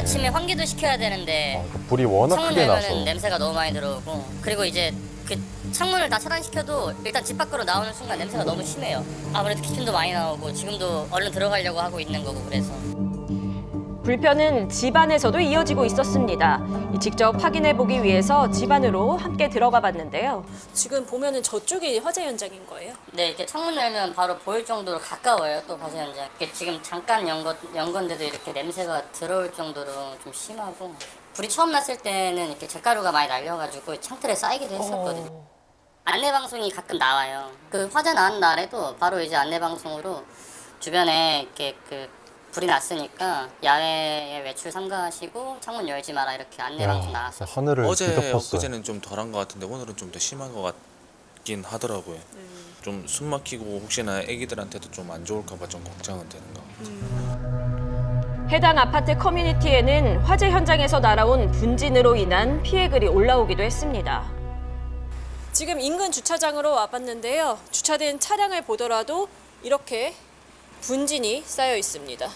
아침에 환기도 시켜야 되는데 불이 워낙 창문 크게 열면은 나서. 냄새가 너무 많이 들어오고, 그리고 이제 그 창문을 다 차단시켜도 일단 집 밖으로 나오는 순간 냄새가 너무 심해요. 아무래도 기침도 많이 나오고 지금도 얼른 들어가려고 하고 있는 거고 그래서. 불편은 집안에서도 이어지고 있었습니다. 직접 확인해보기 위해서 집 안으로 함께 들어가 봤는데요. 지금 보면은 저쪽이 화재 현장인 거예요? 네, 이렇게 창문 열면 바로 보일 정도로 가까워요, 또 화재 현장. 이렇게 지금 잠깐 연 건데도 이렇게 냄새가 들어올 정도로 좀 심하고, 불이 처음 났을 때는 이렇게 잿가루가 많이 날려가지고 창틀에 쌓이기도 했었거든요. 안내방송이 가끔 나와요. 그 화재 난 날에도 바로 이제 안내방송으로 주변에 이렇게 불이 났으니까 야외에 외출 삼가하시고 창문 열지 마라 이렇게 안내방송 나왔어요. 하늘을 뒤덮었어요. 엊그제는 좀 덜한 것 같은데 오늘은 좀 더 심한 것 같긴 하더라고요. 좀 숨 막히고 혹시나 애기들한테도 좀 안 좋을까 봐 좀 걱정은 되는 것 같아요. 해당 아파트 커뮤니티에는 화재 현장에서 날아온 분진으로 인한 피해 글이 올라오기도 했습니다. 지금 인근 주차장으로 와봤는데요. 주차된 차량을 보더라도 이렇게 분진이 쌓여 있습니다.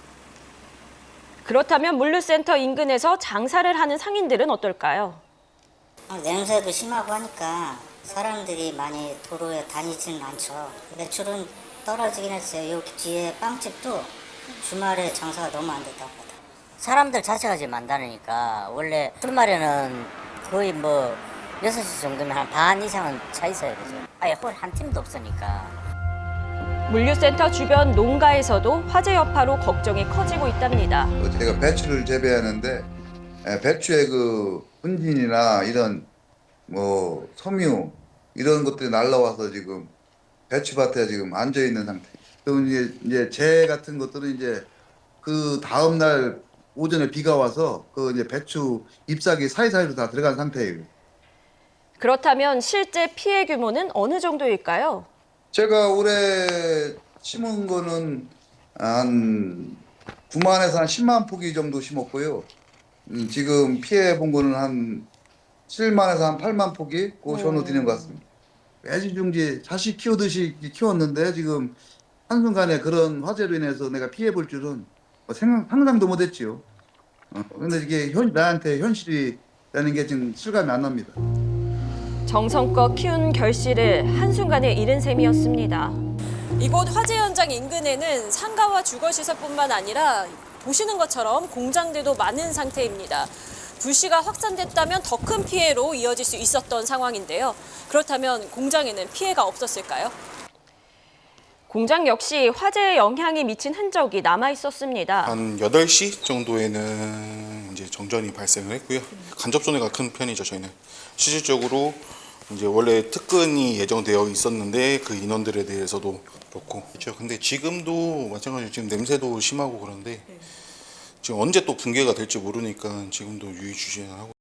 그렇다면 물류센터 인근에서 장사를 하는 상인들은 어떨까요? 냄새도 심하고 하니까 사람들이 많이 도로에 다니지는 않죠. 매출은 떨어지긴 했어요. 여기 뒤에 빵집도 주말에 장사가 너무 안 됐다고 하더라고요. 사람들 자체가 지금 많다니까 원래 주말에는 거의 뭐 6시 정도면 한 반 이상은 차 있어야 되죠. 아예 홀 한 팀도 없으니까. 물류센터 주변 농가에서도 화재 여파로 걱정이 커지고 있답니다. 제가 배추를 재배하는데 배추의 그 분진이나 이런 뭐 섬유 이런 것들이 날라와서 지금 배추밭에 지금 앉아 있는 상태. 또 이제 재 같은 것들은 이제 그 다음 날 오전에 비가 와서 그 이제 배추 잎사귀 사이사이로 다 들어간 상태예요. 그렇다면 실제 피해 규모는 어느 정도일까요? 제가 올해 심은 거는 한 9만에서 한 10만 포기 정도 심었고요. 지금 피해 본 거는 한 7만에서 한 8만 포기 그 정도 되는 것 같습니다. 애지중지 자식 키우듯이 키웠는데 지금 한순간에 그런 화재로 인해서 내가 피해 볼 줄은 상상도 못했지요. 근데 이게 나한테 현실이라는 게 지금 실감이 안 납니다. 정성껏 키운 결실을 한순간에 잃은 셈이었습니다. 이곳 화재 현장 인근에는 상가와 주거시설뿐만 아니라 보시는 것처럼 공장들도 많은 상태입니다. 불씨가 확산됐다면 더 큰 피해로 이어질 수 있었던 상황인데요. 그렇다면 공장에는 피해가 없었을까요? 공장 역시 화재의 영향이 미친 흔적이 남아 있었습니다. 한 8시 정도에는 이제 정전이 발생을 했고요. 간접 손해가 큰 편이죠, 저희는. 실질적으로 이제 원래 특근이 예정되어 있었는데 그 인원들에 대해서도 그렇고. 그렇죠. 근데 지금도 마찬가지로 지금 냄새도 심하고 그런데 지금 언제 또 붕괴가 될지 모르니까 지금도 유의주시하고